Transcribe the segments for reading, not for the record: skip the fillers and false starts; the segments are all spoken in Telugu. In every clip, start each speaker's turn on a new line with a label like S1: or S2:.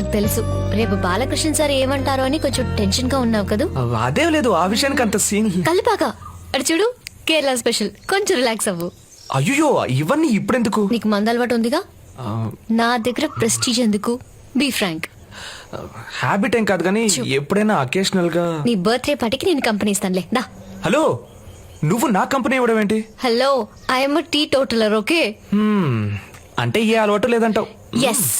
S1: నాకు తెలుసు రేపు బాలకృష్ణ సార్ ఏమంటారో అని కొంచెం టెన్షన్ గా ఉన్నావు కదా.
S2: అదేం లేదు, ఆ విషయానికి అంత సీన్.
S1: కలిపాక అడు చూడు, కేరళ స్పెషల్, కొంచెం రిలాక్స్ అవ్వు.
S2: అయ్యో ఇవన్నీ ఇప్పుడెందుకు?
S1: నీకు మందు అలవాటు ఉందిగా, నా దగ్గర ప్రెస్టీజ్ ఎందుకు? Be Frank.
S2: హ్యాబిట్ ఏం కాదు కానీ ఎప్పుడైనా అకేషనల్ గా.
S1: నీ బర్త్డే పార్టీకి నేను కంపెనీ ఇస్తానులే, దా.
S2: హలో, నువ్వు నా కంపెనీ ఇవ్వడం ఏంటి?
S1: Hello, I'm teetotaller, okay?
S2: అంటే ఏ అలవాటు లేదంటావు?
S1: ఎస్.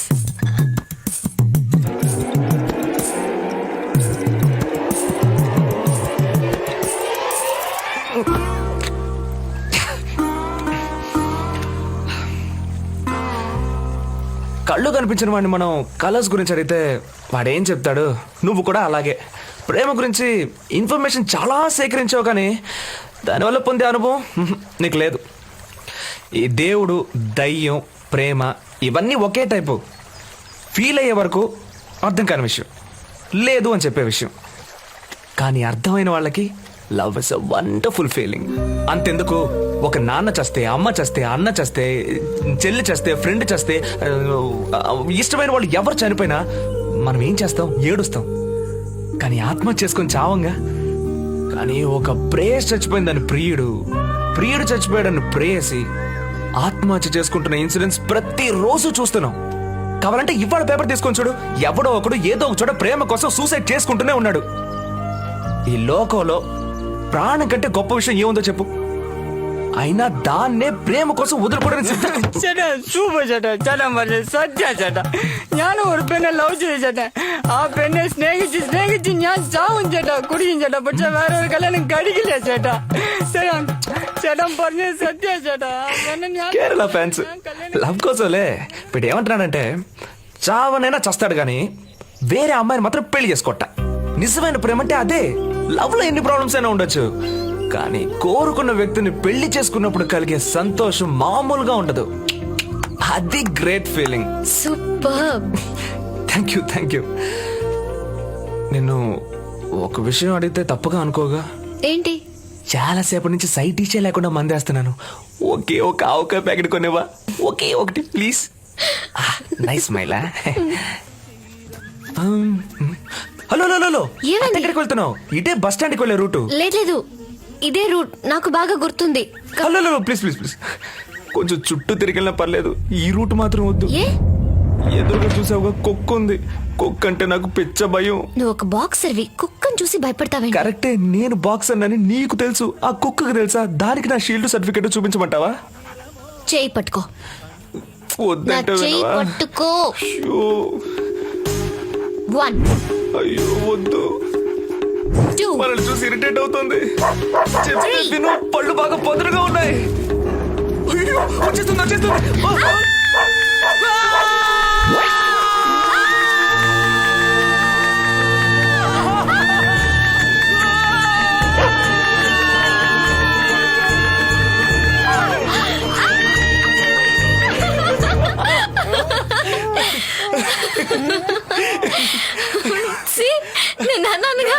S2: కళ్ళు కనిపించిన వాడిని మనం కలర్స్ గురించి అడిగితే వాడేం చెప్తాడు? నువ్వు కూడా అలాగే ప్రేమ గురించి ఇన్ఫర్మేషన్ చాలా సేకరించావు కానీ దానివల్ల పొందే అనుభవం నీకు లేదు. ఈ దేవుడు, దయ్యం, ప్రేమ ఇవన్నీ ఒకే టైపు. ఫీల్ అయ్యే వరకు అర్థం కాని విషయం, లేదు అని చెప్పే విషయం. కానీ అర్థమైన వాళ్ళకి love is a wonderful feeling. అంతెందుకు, ఒక నాన్న చస్తే, అమ్మ చస్తే, అన్న చస్తే, చెల్లి చస్తే, ఫ్రెండ్ చస్తే, ఇష్టమైన వాళ్ళు ఎవరు చనిపోయినా మనం ఏం చేస్తాం? ఏడుస్తాం. కానీ ఆత్మహత్య చేసుకొని చావంగా. కానీ ఒక ప్రేయస్ చచ్చిపోయిందని ప్రియుడు చచ్చిపోయాడని ప్రేయసి ఆత్మహత్య చేసుకుంటున్న ఇన్సిడెంట్స్ ప్రతిరోజు చూస్తున్నాం. కావాలంటే ఇవాళ పేపర్ తీసుకొని చూడు, ఎవడో ఒకడు ఏదో ఒక చోట ప్రేమ కోసం సూసైడ్ చేసుకుంటూనే ఉన్నాడు. ఈ లోకంలో ప్రాణం కంటే గొప్ప విషయం ఏముందో చెప్పు? అయినా దాన్నే ప్రేమ కోసం വധുരപ്പെടാൻ
S3: ചേട്ടാ സൂപ്പർ ചേട്ടാ ചേട്ടാ പറഞ്ഞ സത്യ ചേട്ടാ ഞാൻ ഒരു പെണ്ണെ ലവ് ചെയ്തു ചേട്ടാ ആ പെണ്ണെ സ്നേഹിച്ച് ഞാൻ ചാവും ചേട്ടാ കുടിക്കും ചേട്ടാ പക്ഷെ വേറെ ഒരു കല്യാണം കഴിക്കില്ല ചേട്ടാ ചേട്ടാ പറഞ്ഞ సత్య ചേട്ടാ
S2: కేరళ ఫ్యాన్స్ లవ్ కోసంలే ఇప్పుడు ఏమంటున్నాడంటే చావనైనా చస్తాడు కానీ వేరే అమ్మాయిని మాత్రం పెళ్లి చేసుకోట. నిజమైన ప్రేమ అంటే అదే. లవ్ లో ఎన్ని ప్రాబ్లమ్స్ అయినా ఉండొచ్చు కానీ కోరుకున్న వ్యక్తిని పెళ్లి చేసుకున్నప్పుడు కలిగే సంతోషం మామూలుగా ఉండదు. అది great feeling.
S1: Super.
S2: Thank you. నిన్ను ఒక విషయం అడిగితే తప్పుగా అనుకోగా?
S1: ఏంటి?
S2: చాలా సేపటి నుంచి సైట్ ఇచ్చే లేకుండా మందేస్తున్నాను. ఒకే ఒక ఆవకాయ ప్యాకెట్ కొనేవా? ఒకే ఒకటి ప్లీజ్. నైస్ స్మైలా. హలో ఎక్కడికి వెళ్తున్నావు? ఇదే బస్ స్టాండ్కి వెళ్ళే రూటు.
S1: లేదు ఇదే రూట్, నాకు బాగా గుర్తుంది.
S2: హలో ప్లీజ్ కొంచెం చుట్టూ తిరిగినా పర్లేదు, ఈ రూట్ మాత్రం వద్దు. ఎదురుగా చూసావుగా కుక్క ఉంది. కుక్క అంటే నాకు పిచ్చ భయం.
S1: నువ్వు ఒక బాక్సర్వి, కుక్కను చూసి భయపడతావే.
S2: కరెక్టే, నేను బాక్సర్ అని నీకు తెలుసు, ఆ కుక్కకు తెలుసా? దానికి నా షీల్డ్ సర్టిఫికెట్ చూపించమంటావా?
S1: చేయి పట్టుకో.
S2: వద్దంటే
S1: పట్టుకో. 1
S2: అయ్యో వద్దు,
S1: 2
S2: మనల్ని చూసి ఇరిటేట్ అవుతుంది. విను, పళ్ళు బాగా పొదరుగా ఉన్నాయి. అయ్యో వచ్చేస్తుంది.
S1: నేను అన్నానుగా.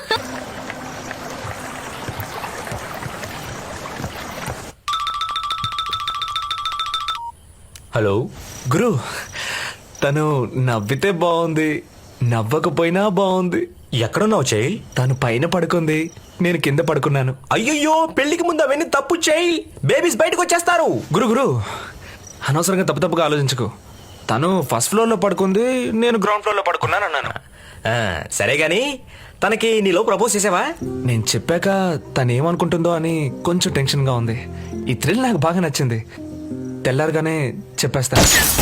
S2: హలో గురు, తను నవ్వితే బాగుంది, నవ్వకపోయినా బాగుంది.
S4: ఎక్కడున్నావు చేయి?
S2: తను పైన పడుకుంది, నేను కింద పడుకున్నాను.
S4: అయ్యయ్యో, పెళ్లికి ముందు అవన్నీ తప్పు చేయి, బేబీస్ బయటకు వచ్చేస్తారు.
S2: గురు అనవసరంగా తప్పుగా ఆలోచించుకో. తను ఫస్ట్ ఫ్లోర్ లో పడుకుంది, నేను గ్రౌండ్ ఫ్లోర్ లో పడుకున్నాను అన్నాను.
S4: సరే గాని తనకి నీలో ప్రపోజ్ చేసావా?
S2: నేను చెప్పాక తను ఏమనుకుంటుందో అని కొంచెం టెన్షన్ గా ఉంది. ఈ థ్రిల్ నాకు బాగా నచ్చింది. తెల్లారగానే చెప్పేస్తా.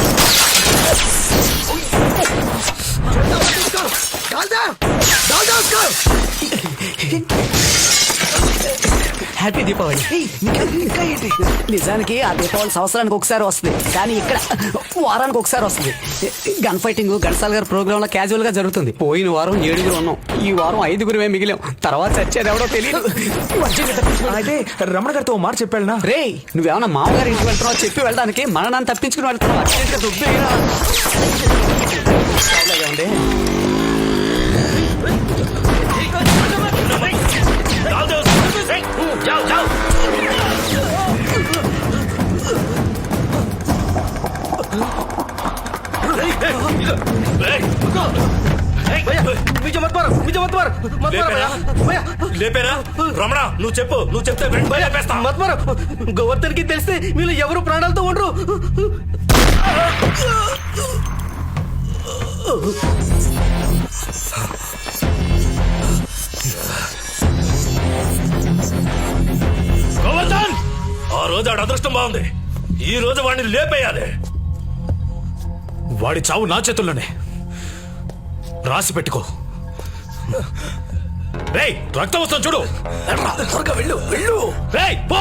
S3: హ్యాపీ దీపావళి. నిజానికి ఆ దీపావళి సంవత్సరానికి ఒకసారి వస్తుంది, కానీ ఇక్కడ వారానికి ఒకసారి వస్తుంది. గన్ ఫైటింగ్ ఘంటసాల గారి ప్రోగ్రామ్ లో క్యాజువల్ గా జరుగుతుంది. పోయిన వారం 7 ఉన్నాం, ఈ వారం 5 మిగిలాం. తర్వాత చచ్చేది ఎవడో తెలియదు.
S2: అయితే రమణ గారితో మాట చెప్పాడునా?
S3: రే, నువ్వేమన్నా మామగారి ఇంటికి వెళ్తున్నావు చెప్పి వెళ్ళడానికి, మననాన్ని తప్పించుకుని వెళ్తున్నావు.
S4: లేపేరా? లేపేరా రమణ, నువ్వు చెప్పు, నువ్వు చెప్తే వెంటనే లేపేస్తా.
S5: మత్మరం గోవర్ధన్ కి తెలిస్తే వీళ్ళు ఎవరు ప్రాణాలతో ఉండరు.
S4: గోవర్ధన్, ఆ రోజు ఆడ అదృష్టం బాగుంది, ఈ రోజు వాడిని లేపేయాలి.
S2: వాడి చావు నా చేతుల్లోనే, రాసి పెట్టుకో.
S4: రేయ్, రక్తం వస్తుంది చూడు. త్వరగా వెళ్ళు, వెళ్ళు. రేయ్, పో.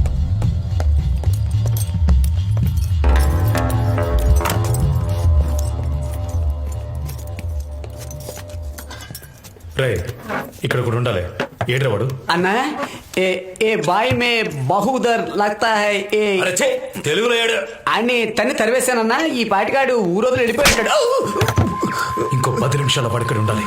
S2: రే, ఇక్కడ కూడా ఉండాలి. ఏడ్రా వాడు?
S3: అన్నా ఏ బాయ్ మే బహుదర్ లగ్తా హై ఏ
S4: అరే ఛే, తెలుగులో ఏడు.
S3: అని తన్ని తరివేశానన్నా. ఈ పాటికాడు ఊరోజులు వెళ్ళిపోయాడు.
S2: ఇంకో 10 నిమిషాల వాడు ఇక్కడ ఉండాలి.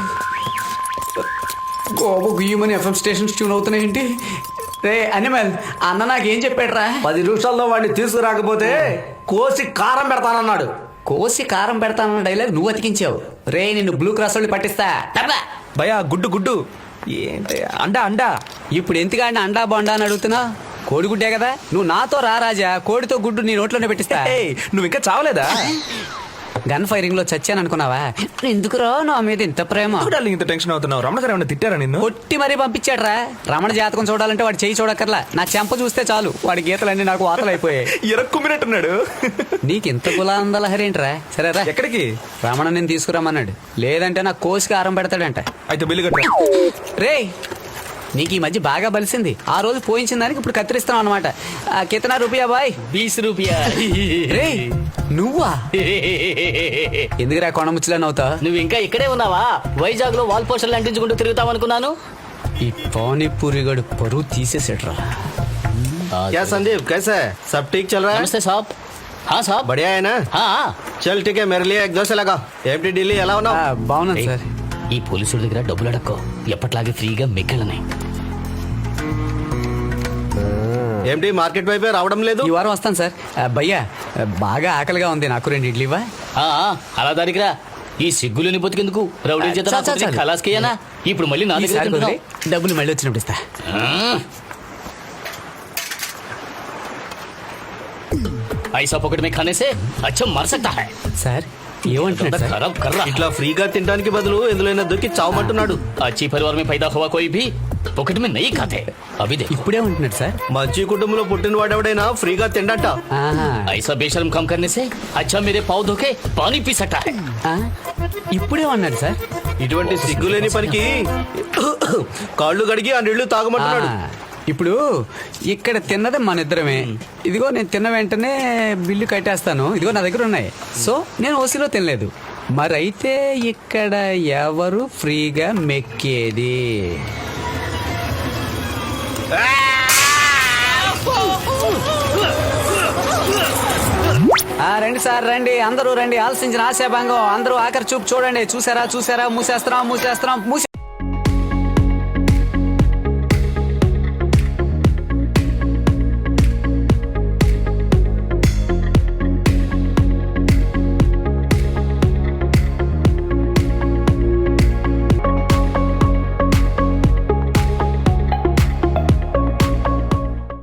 S3: గోబు గుయ్యమని ఎఫ్ఎం స్టేషన్స్ ట్యూన్ అవుతున్నాయేంటి? రే అనిమల్, అన్న నాకేం చెప్పాడురా?
S5: 10 నిమిషాల్లో వాడిని తీసుకురాకపోతే కోసి కారం పెడతానన్నాడు.
S3: కోసి కారం పెడతానన్న డైలాగ్ నువ్వు అతికించావు. రే నిన్ను బ్లూ క్రాస్ వాళ్ళు పట్టిస్తా. టప్లా.
S2: భయా, గుడ్డు గుడ్డు ఏంటి? అండా అండా.
S3: ఇప్పుడు ఎందుకంటే అండా బొండా అని అడుగుతున్నా? కోడిగుడ్డే కదా. నువ్వు నాతో రా రాజా, కోడితో గుడ్డు నీ నోట్లోనే పెట్టిస్తా.
S2: ఏయ్, నువ్వు ఇంకా చావలేదా?
S3: గన్ ఫైరింగ్ లో చచ్చాను అనుకున్నావా? ఎందుకురా నా మీద ఇంత ప్రేమ?
S2: చూడాలి, ఇంత టెన్షన్ అవుతున్నావు. రమణ గారు ఏమన్నా తిట్టారా నిన్ను?
S3: కొట్టి మరీ పంపించాడ్రా. రమణ జాతకం చూడాలంటే వాడు చేయి చూడక్కర్లా, నా చెంప చూస్తే చాలు వాడి గీతలన్నీ నాకు వాతలు అయిపోయాయి.
S2: ఎరక్కుమ్మినట్టున్నాడు.
S3: నీకు ఇంత కులాంద లహరి ఏంట్రా? సరేరా,
S2: ఎక్కడికి?
S3: రమణ నేను తీసుకురమ్మన్నాడు. లేదంటే నా కోసికి ఆరం పెడతాడంట.
S2: అయితే బిల్లు కట్టా.
S3: రే, నీకు ఈ మధ్య బాగా బలిసింది. ఆ రోజు పోయించిన దానికి ఇప్పుడు కత్తిరిస్తాం అనమాట. కితనా రూపాయా బాయ్?
S6: 20 రూపాయ.
S3: రే నువ్వా? ఎందుకురా కొండముచ్చులా నవ్వుతా?
S6: నువ్వు ఇంకా ఇక్కడే ఉన్నావా? వైజాగ్ లో వాల్ పోస్టర్లు అంటించుకుంటూ తిరుగుతావనుకున్నాను.
S3: ఈ పానీపూరి గడు పరువు తీసేసాడ్రా.
S5: क्या संदीप, कैसा है? सब ठीक चल रहा है?
S6: నమస్తే సాబ్. హా సాబ్.
S5: बढ़िया है ना?
S6: హా.
S5: चल ठीक है, मेरे लिए एक दो से लगा. एमटी ఢిల్లీ ఎలా ఉన్నావు?
S3: బాగున్నాను
S6: ఏయ్,
S3: సార్.
S6: ఈ పోలీసుల దగ్గర డబ్బులు అడక్కో. ఎప్పట్లాగే ఫ్రీగా మిగిలినాయి.
S5: ఏమిటి మార్కెట్ వైపే రావడం లేదు?
S3: ఈ వారం వస్తాను సార్. భయ్యా బాగా ఆకలిగా ఉంది, నాకు 2 ఇడ్లీ ఇవ్వా?
S6: ఆ, అలా దానికిరా. ఈ సిగ్గులని బతికెందుకు? రౌడీ చేత
S3: చాలు, చాలు, చాలు.
S6: ఖలాస్కేయనా? ఇప్పుడు మళ్ళీ నా దగ్గర
S3: ఈసారి
S6: తింటున్నావు.
S3: కుదిరి డబ్బులు మళ్ళీ వచ్చినప్పుడు ఇస్తా.
S6: ऐसा पॉकेट में खाने से अच्छा मर सकता है.
S3: సార్ ఏమంటున్నాడు సార్?
S6: खराब कर रहा.
S5: ఇట్లా ఫ్రీగా తినడానికి బదులు ఎందులోనే దొరికి చావమంటున్నాడు.
S6: अच्छी परिवार में पैदा हुआ कोई भी पॉकेट में नहीं खाते. अभी देखो.
S3: ఇప్పుడే ఉంటున్నాడు సార్.
S5: మంచి కుటుంబంలో పుట్టిన వాడెవడైనా ఫ్రీగా తిండట.
S3: ఆహా.
S6: ऐसा बेशर्म काम करने से अच्छा मेरे पाँव धोके पानी पी सकता है.
S3: ఆ? ఇప్పుడే అన్నాడు సార్.
S5: ఇటువంటి సిగ్గులేని పనికి కాళ్ళు కడిగి ఆ నీళ్లు తాగమంటున్నాడు.
S3: ఆ, ఇప్పుడు ఇక్కడ తిన్నది మన ఇద్దరమే. ఇదిగో నేను తిన్న వెంటనే బిల్లు కట్టేస్తాను. ఇదిగో నా దగ్గర ఉన్నాయి. సో నేను ఓసీలో తినలేదు. మరైతే ఇక్కడ ఎవరు ఫ్రీగా మెక్కేది? రండి సార్, రండి అందరూ రండి. ఆలోచించిన ఆశాభంగం. అందరూ ఆఖరి చూపు చూడండి. చూసారా మూసేస్తున్నాం.